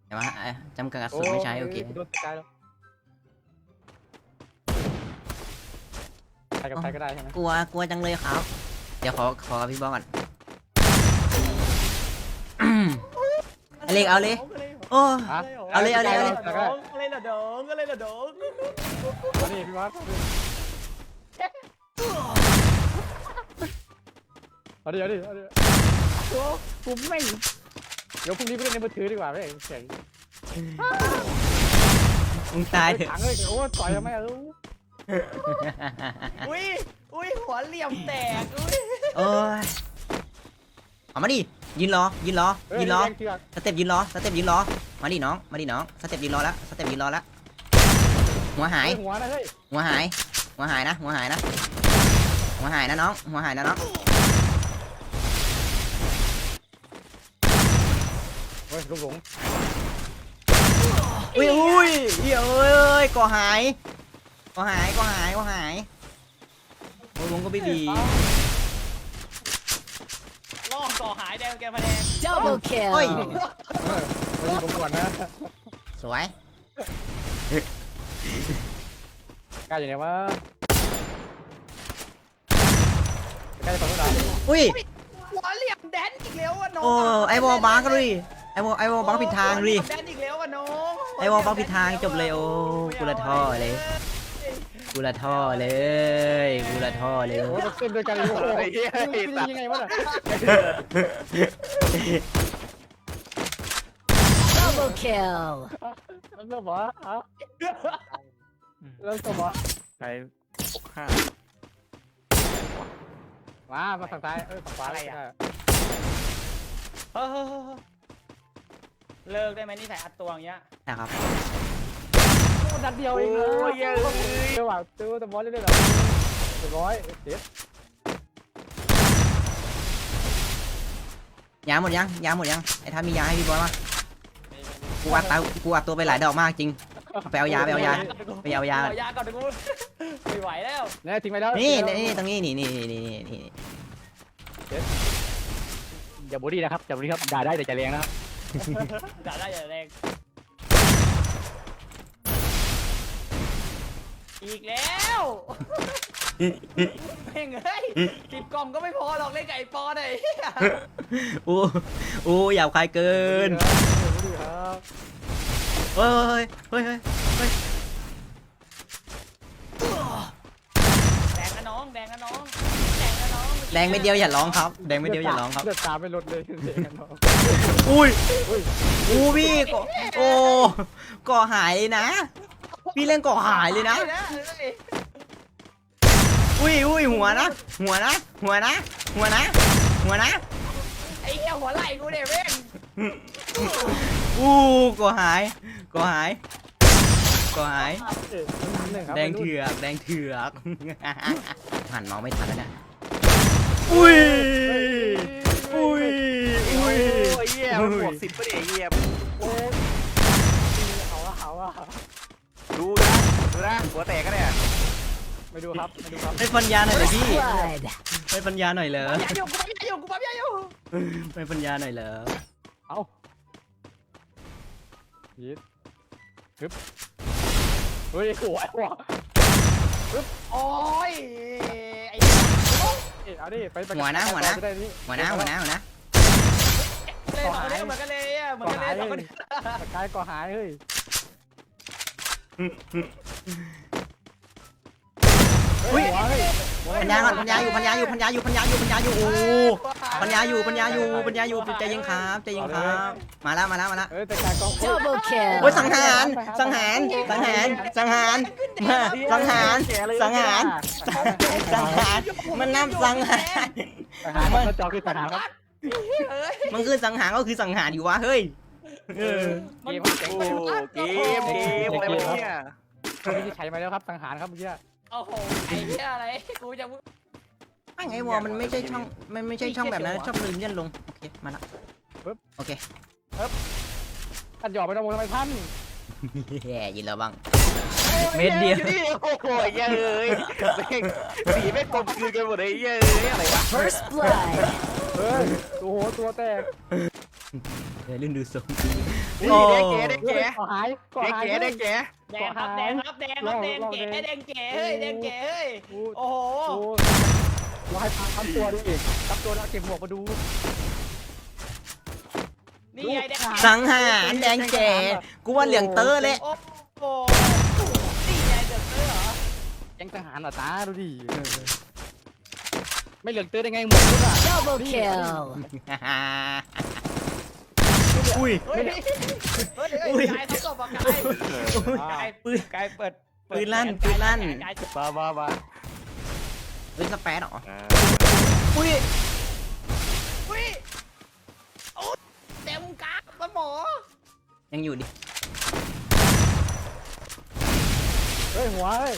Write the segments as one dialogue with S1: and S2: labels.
S1: แต่ว่าจำกัดกระสุนไม่ใช้โอเค
S2: โดนตายแล้วใครกับใครก็ได้ใช่ไหม
S1: กลัวจังเลยครับ เดี๋ยวขอพี่บอลก่อนเอาเลยโอ้
S2: ฮะ
S1: เอาเลย
S3: ก็เลยละดองก็เลยละดอง
S2: นี่พี่วัดเอาดิโอ้กูไม่เดี๋ยวพรุ่งนี้ไปเล่นในมือถือดีกว่าไม่เสียง
S1: มึงตายเถอะ
S2: ถังเลยโอ้ต่อยทำไม
S3: อุ้ยหัวเหลี่ยมแตกอุ้ย
S1: โอ้ยเอามาดิยืนรอสเต็ปยืนรอมาดิน้องสเต็ปยืนรอแล้วหัวหาย
S2: หัวนะเฮ้ย
S1: หัวหายนะน้องหัวหายนะน้อง
S2: เฮ้ยลูกหลง
S1: อุ้ยเอ้ยก่อหายโอ้ยลุงก็ไม่ดี
S3: ล่อก่อหายแดงแกมาแดง
S4: Double
S1: เฮ้ย
S4: kill.
S2: ไปยิงผมก่อนนะ
S1: สวย
S2: กล้าอยู่ไหนวะกล้าจะฟังเท่าไหร่
S1: อุ้ย
S3: หัวเหลี่ยมแดนอีกแล้วอ่ะน้อง
S1: โอ้ไอวอลบังก็ดิไอวอลบังผิดทางดิ
S3: แดนอีกแล้วอ่ะน้อง
S1: ไอวอลบังผิดทางจบเลยโอ้กูละท่อเลย
S2: โอ้เราเต้นด้วยกันเลยโอ้โหยังไงวะน่ะ
S4: Double kill.
S2: เริ่มวะเริ่มสมวะ
S5: ใช้65
S2: มาฝั่งซ้ายฝั่งขวาอะไร
S3: เฮ้ยเลิกได้ไหมนี่ใส่อัดตัวอย่างเงี้ย
S1: นะครับ
S2: นัดเดียวเองนะเดี๋ยวว่ะตัวแต่บอลเล่นๆหรอเรียบร้อยเจ็บ
S1: ยาหมดยังไอ้ท่านมียาให้พี่บอลมั้ยกูอัดตัวไปหลายดอกมากจริงไปเอายาก่อนเดี๋ยวกูไม่ไหวแล้ว
S2: เนี่ยทิ้งไปแล้ว
S1: นี่ตรงนี้นี่
S2: อย่าบูดี้นะครับด่าได้แต่ใจแรงนะครับ
S3: ด่าได้อย่าแรงอีกแล้วเพ่งเฮ้ย10 กล่องก็ไม่พอหรอกเล่นไก่ปอหน่อย
S1: โอ้หยาบคายเกินเฮ้ย
S3: แดงนะน้อง
S1: แดงไม่เดียวอย่าร้องครับเลือด
S2: ตาไม่ลดเลยเสียงน้อง
S1: อุ้ยพี่ก่อหายเลยนะ พี่เล่นก่อหายเลยนะอุ้ยหัวนะ
S3: ไอ้เหี้ยหัวไหล่กูเนี่ยเว้ง
S1: ก่อหายแดงเถือกหันมองไม่ทันแล้วนะอุ้ย
S5: โอ้ยเหี้ยมันบวก10ป่ะเนี่ยเหี้ย
S2: เอาอะ
S5: ดูนะหัวแตกกันเนี่ย
S2: ไม่ดูครับ
S1: ให้ปัญญาหน่อยเลยพี่
S4: Blood.
S1: ให้ปัญญาหน่อยเลย
S3: กูปั๊มยาอยู่
S1: ให้ปัญญาหน่อยเลย
S2: เอายิดฮึบเฮ้ยโอ้ยว่ะ
S3: โอ้ยไอ้
S2: เอาดิไป
S1: หัวนะ
S3: เลยเหมือนกันเลยเหมือนกันเลย
S2: ตะกายก็หายเฮ้ย
S1: อุ้ยปัญญาอยู่โอ้ปัญญาอยู่ใจเย็นครับมาแล้ว
S2: เฮ้ยตะกายก็
S4: Double kill.
S1: โอ้ยสังหารมันนับสังหาร
S2: มันจอคือทหารครับ
S1: มันคือสังหารก็คือสังหารอยู่วะเฮ้ย
S2: เกม
S5: โอ้เกมอะไรวะเนี่ย
S2: ไม่ได้ใช้มาแล้วครับทหารครับเมื่อกี้
S3: โอ้โหไอ้เหี้ยอะไรกูจะ
S1: ไอ้วอมันไม่ใช่ช่องแบบนั้นชอบลืมยันลงโอเคมาละโอเค
S2: ท่านหยอกไปน้องทำไมท่าน
S1: แย่ยินแล้วบ้างเม็ดเดียว
S5: โอ้โหเย้ยสีไม่กลมกลืนกันหมดเลยเย้ยอะไรวะ
S4: First blood.
S2: เฮ้ยโอ้โหตัวแตก
S1: เดี๋ยวลื่นดูทรง
S5: นี่
S1: โอ้
S5: ได้แก
S2: ก่อหายก่อ
S5: ได้
S2: หาย
S5: แกได้แก
S3: แดงครับแดงครับแดงครับแดงเก๋แดงเก๋เฮ้ยแดงเก๋เฮ้ยโอ้โห
S2: โอ้วายพังทั้งตัวดิทั้งตัวแล้วเก็บหมวกมาดู
S3: นี่ไงแดง
S1: สังหารแดงแก่กูว่าเหลืองเตอร์เลย
S3: โอ้โหนี่ไงเดือดเตอร์เหรอ
S2: แก๊งทหารเหรอตาดูดิไม่เหลืองเตือนได้ไงหมวกด้วยอ่ะ
S4: Double kill.
S1: อุ้ย
S3: เฮ้ยเฮ้ยกายต้องตบอ่ะกายปืนกายเปิด
S1: ปืนลั่นปืนลั่น
S3: กาย
S5: มา
S1: เฮ้ยสแปรดเหรออุ้ย
S3: อุ้ยโอ้เต็มกราฟมันหมอ
S1: ยังอยู่ดิ
S2: เฮ้ยหัวเฮ้ย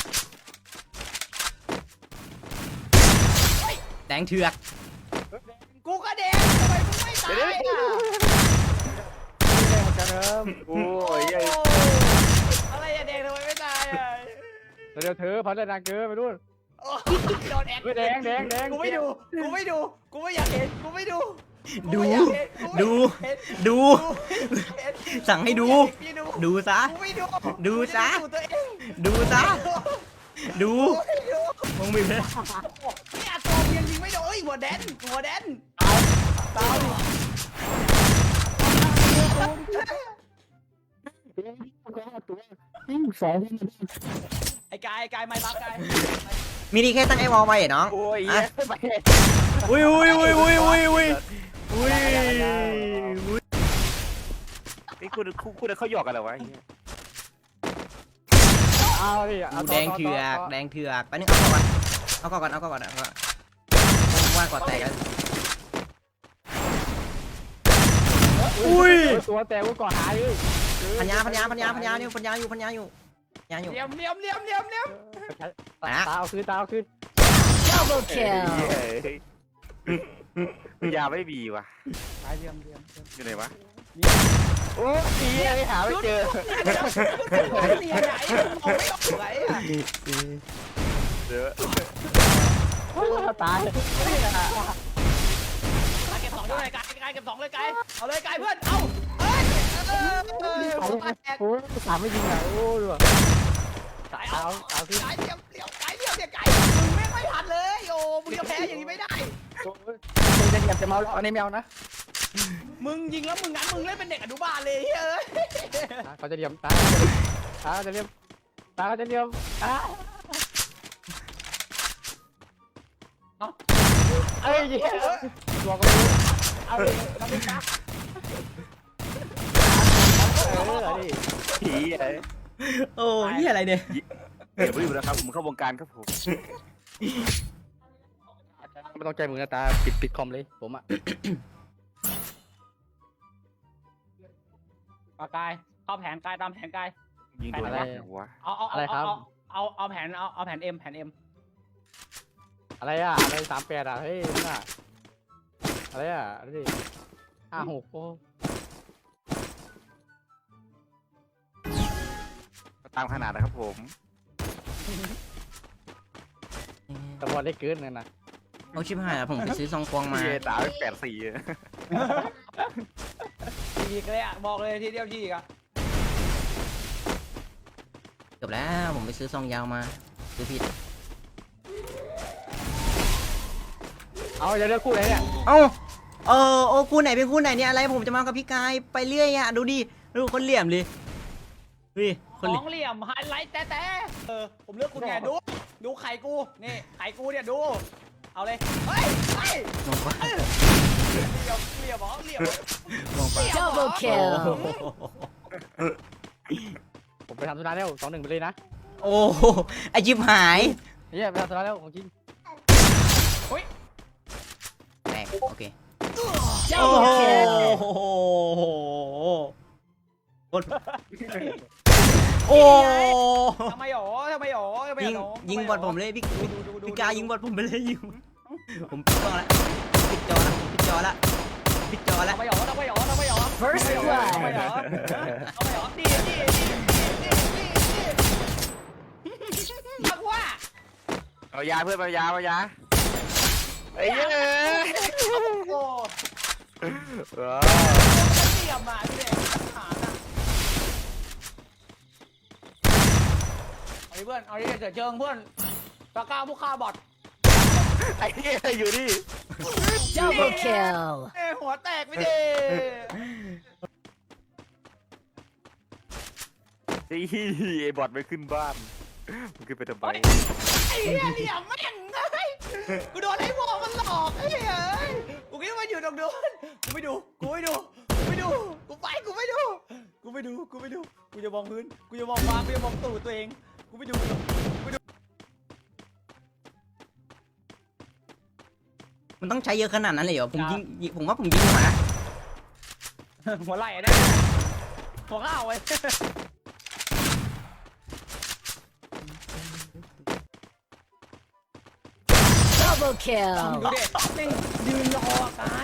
S1: แดงเถือก
S3: กูก็แดงทำไมมึงไม่ตายอ่ะ
S2: แดงจะเริ่ม
S5: โอ้ย
S3: อะไรอะแดงทำไมไม่ตายอ่ะ
S2: เดี๋ยวเธอพันเลยนางเกินไปนู่น
S3: โดนแอค
S2: แดง
S3: กูไม่ดูกูไม่อยากเห็นกูไม่ดู
S1: ดูสั่งให้ดู ดูซะ
S3: กูไม่ดู
S1: ดูซะ
S3: ตัวเอง
S1: ดูซะ ดูมึงมีเพล
S3: นี่อาโตมยังยิงไม่โดนเอ้ยหัวแดน
S2: ตายสอง
S3: ไอ้กายไม่บักกาย
S1: มินิแค่ตั้งไอ้วอลไว้เหรอน้อง
S5: โอ้ย
S1: อ่ะอุ้ย
S5: นี่คุณเขาหยอกกันเหรอวะ
S2: เอาดิ
S1: แดงเถือกไปนึงเอาก่อนว่ากอดแตกกันอุ้ย
S2: ตัวแตกกูก่อนหายเลย
S1: พันยาอยู่
S3: เลี้ยม
S2: ตาเอาคืน
S4: Double kill.
S5: ยาไม่มีว่ะ
S2: ตายเลี่ยม
S5: อยู่ไหนวะโอ้ยยังหาไม่เจอ
S3: นี่ไหนมองไม่ออกไหนอ่ะ
S5: เดี๋ยว
S2: ตาย
S3: เก็บ2ด้วยกายเก็บ2เลยกายเอาเลยกายเพื่อนเอาเฮ้ย
S2: โอ้ยสามไม่ยิงอ่ะโอ้ย
S3: กายเอาคือกายเลี้ยมเนี่ยกายมึงไม่ทันเลยโอ้มึงจะแพ้อย่างนี้ไม่ได้
S2: มึงจะเหยียบจะเมาแล้วอันนี้แมวนะ
S3: มึงยิงแล้วมึงงั้นมึงเล่นเป็นเด็กอนุบาลเลยเฮ้ย
S2: เขาจะเหลี่ยมตาจะเหลี่ยมเอ้ยตัวก็รู้เอาดิเราไม่กล้าดิ
S5: ผีไอ้
S1: โอ้ยอะไรเนี่ย
S5: เดี๋ยวไม่อยู่นะครับผมเข้าวงการครับผม
S2: ไม่ต้องใจมึงนะตาปิดคอมเลยผมอ่ะ
S3: กายเข้าแผนกายตามแผนกาย
S5: ยิงโดนอะไรวะ
S3: เอาแผนเอ็ม
S2: อะไรอ่ะอะไร38อ่ะเฮ้ยน่ะอะไรอ่ะดิ56โอ้
S5: ตามขนาดนะครับผม
S2: ตะบอลได้เกินเลยนะ
S1: เอาชิบหายผมไปซื้อซองควงมา
S5: ตา84
S3: ทีเลยอ่ะบอกเลยทีเดียวทีอ่ะ
S1: จบแล้วผมไปซื้อซองยาวมาซื้อผิด
S2: เอาจะเลือกคู่ไหนเนี่ย
S1: โอ้คู่ไหนเป็นคู่ไหนเนี่ยอะไรผมจะมากับพี่กายไปเรื่อยอ่ะดูดิดูคนเหลี่ยมเลยดูคน
S3: สองเหลี่ยมไฮไลท์แต่ผมเลือกคุณไงดูไข่กูนี่ไข่กูเนี่ยดูเอาเลยเฮ้ย
S1: มองไป
S3: เหลี่ยม
S1: มองไป
S4: Double kill.
S2: ผมไปทำธุระแล้ว2-1ไปเลยนะ
S1: โอ้ไอจิบหาย
S2: เนี่ยไปทำธุระแล้วของจริง
S1: แตกโอเค
S4: Double kill.
S1: โอ้
S3: ทำไมหรอ
S1: ยิงบอลผมเลยพี่กายยิงบอลผมไปเลยยิงผมปิดกล้องแล้วปิดจอแล้ว
S3: ทำไมหรอ
S4: First blood.
S3: ดีมากว่า
S5: เอายาเพื่อนเอายาไอ้เย้
S3: โอ้
S5: ว้าว
S3: เสียบมาพี่เด็กหาน่ะเอาดิเพื่อนเอาดิเกิดเชิงเพื่อนตะกร้าผู้ฆ่าบอท
S5: ไอ้เหี้ยอยู่นี่
S4: Double kill.
S3: หัวแตกไปดิ
S5: ไอ้บอทไม่ขึ้นบ้านมันขึ้นไปทำไม
S3: ไอ้เหี้ยเหลี่ยมแม่งเอ้ยกูโดนไอ้วอมันหลอกไอ้เหี้ยเอ้ยกูคิดว่าอยู่ตรงนู้นกูไม่ดูกูไม่ดูกูไม่ดูกูไปกูไม่ดูกูไม่ดูกูไม่ดูกูจะมองพื้นกูจะมองฟ้ากูจะมองตูดตัวเองกูไม่ดูกูไม่ดู
S1: มันต้องใช้เยอะขนาดนั้นเลยเหรอผมผมว่าผมยิงหัวนะ
S3: หัวไหล่ได้หัวข้าวไว้
S4: Double
S3: ดู
S4: kill.
S3: เด็กแม่งยืนรอกาย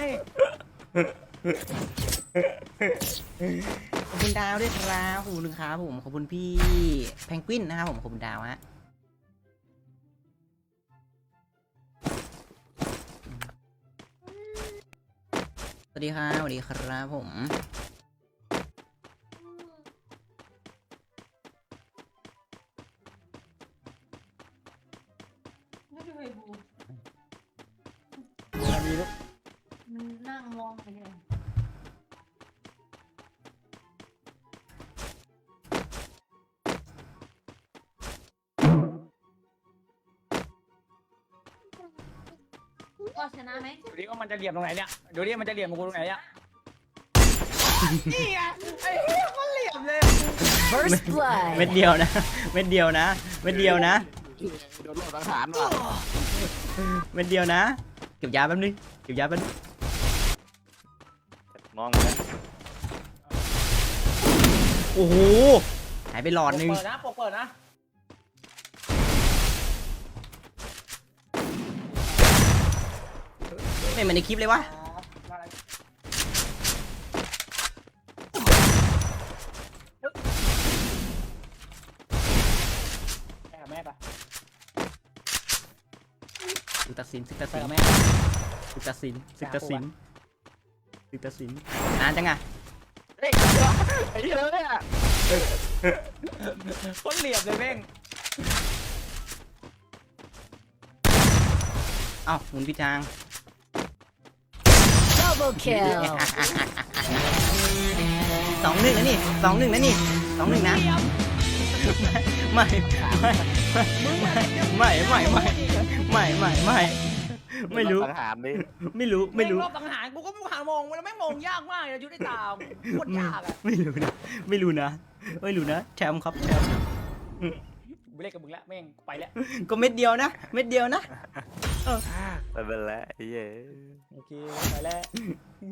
S1: ขอบคุณดาวด้วยครับขอบคุณครับผมขอบคุณพี่แพงกวินนะครับผมขอบคุณดาวฮะสวัสดีครับสวัสดีครับผม
S6: มันนั่งมองไปเลย ก็ชนะไหม
S3: ดูดิว่ามันจะเหลี่ยมตรงไหนเนี่ยดูดิมันจะเหลี่ยมกูตรงไหนเนี่ยนี่ไงไอ้เหี้ยมันเหลี่ยมเลย
S4: First
S1: เม็ด
S4: blood.
S1: เดียวนะเม็ดเดียวนะเม็ดเดียวนะ
S5: โดนหลอกทหารว่ะ
S1: เม็ดเดียวนะเก็บยาแป๊บนึงเก็บยาแป๊บนึง
S5: มองเลย
S1: โอ้โหหายไปหลอดนึง
S3: เปิดนะปกเปิดนะ
S1: ไม่เหมือนในคลิปเลยวะ
S3: แม่ปะ
S1: ศึกตัดสินศึกตัดสินแม่ศึกตัดสินศึกตัดสินศึกตัดสินนานจังอะ
S5: เฮ้ยไอ้เหี้ยเนี่ย
S3: คนเหลี่ยมเลยแม่ง
S1: เอ้าหมุนพี่จาง
S4: Double kill.
S1: 2-1นะนี่2-1นะนี่2-1นะไม่ไม่รู้
S5: ทหารดิ
S1: ไม่รู้ไม่รู้
S3: รอบสังหารกูก็ไม่หามองแล้วแม่งมองยากมากเลยชุดไอ้ตาโคตรยากอะ
S1: ไม่รู้นะไม่รู้นะไม่รู้นะแชมป์ครับแชมป์
S3: กูเล่นกับมึงแล้วแม่งไปแล้ว
S1: ก็เม็ดเดียวนะเม็ดเดียวนะ
S5: ไม่เป็นไรไอ้เหี้ย
S3: โอเคไปแล้ว